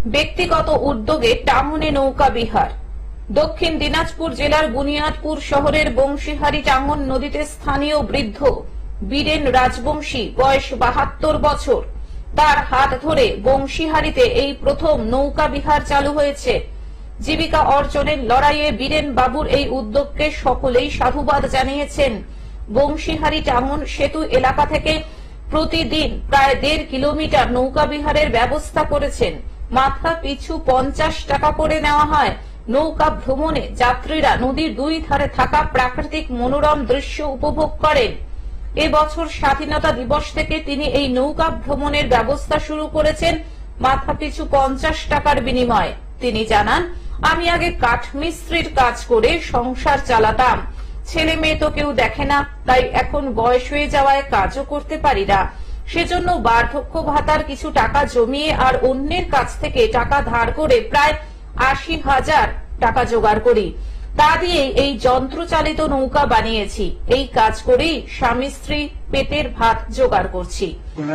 ব্যক্তিগত উদ্যোগে টাঙ্গনে নৌকা বিহার। দক্ষিণ দিনাজপুর জেলার বুনিয়াদপুর শহরের বংশীহারি টাঙ্গন নদীতে স্থানীয় বৃদ্ধ বীরেন রাজবংশী, বয়স 72 বছর, তার হাত ধরে বংশীহারিতে এই প্রথম নৌকা বিহার চালু হয়েছে। জীবিকা অর্জনের লড়াইয়ে বীরেন বাবুর এই উদ্যোগকে সকলেই সাধুবাদ জানিয়েছেন। বংশীহারি টাঙ্গন সেতু এলাকা থেকে প্রতিদিন প্রায় 1.5 কিলোমিটার নৌকা বিহারের ব্যবস্থা করেছেন। মাথা পিছু 50 টাকা করে নেওয়া হয়। নৌকা ভ্রমণে যাত্রীরা নদীর দুই ধারে থাকা প্রাকৃতিক মনোরম দৃশ্য উপভোগ করেন। এবছর স্বাধীনতা দিবস থেকে তিনি এই নৌকা ভ্রমণের ব্যবস্থা শুরু করেছেন মাথা পিছু 50 টাকার বিনিময়ে। তিনি জানান, আমি আগে কাঠমিস্ত্রির কাজ করে সংসার চালাতাম, ছেলে মেয়ে তো কেউ দেখে না, তাই এখন বয়স হয়ে যাওয়ায় কাজও করতে পারি না। সেজন্য বার্ধক্য ভাতার কিছু টাকা জমিয়ে আর অন্যের কাছ থেকে টাকা ধার করে প্রায় 80,000 টাকা জোগাড় করি। তা দিয়ে এই যন্ত্রচালিত নৌকা বানিয়েছি। এই কাজ করেই স্বামী স্ত্রী পেটের ভাত জোগাড় করছি।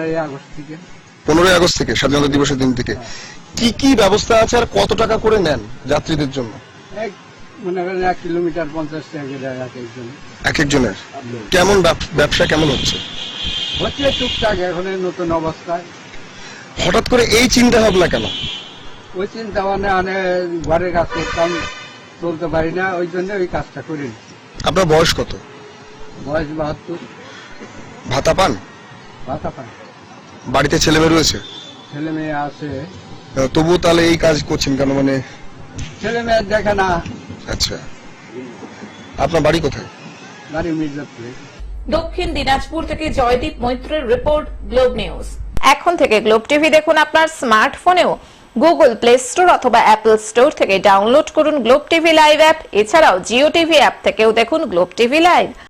15 আগস্ট থেকে স্বাধীনতা দিবসের দিন থেকে কি কি ব্যবস্থা আছে আর কত টাকা করে নেন যাত্রীদের জন্য? মনে করেন 1 কিলোমিটার 50 টাকা করে এক একজনের। কেমন ব্যবসা কেমন হচ্ছে? টুকটাক এখন নতুন অবস্থায়। হঠাৎ করে এই চিন্তা ভাবনা কেন? ওই চিন্তা মানে ঘরের কাজ করতাম, চলতে পারি না, ওই জন্য ওই কাজটা করি। আপনার বয়স কত? বয়স 72। ভাতা পান? ভাতা পাই। বাড়িতে ছেলে মেয়ে রয়েছে? ছেলে মেয়ে আছে। তবুও তাহলে এই কাজ করছেন কেন? মানে ছেলে মেয়ে দেখে না। আচ্ছা, আপনার বাড়ি কোথায়? বাড়ি মির্জাপুরে। দক্ষিণ দিনাজপুর থেকে জয়দীপ মৈত্রের রিপোর্ট, গ্লোব নিউজ। এখন থেকে গ্লোব টিভি দেখুন আপনার স্মার্টফোনেও। গুগল প্লে স্টোর অথবা অ্যাপল স্টোর থেকে ডাউনলোড করুন গ্লোব টিভি লাইভ অ্যাপ। এছাড়াও জিও টিভি অ্যাপ থেকেও দেখুন গ্লোব টিভি লাইভ।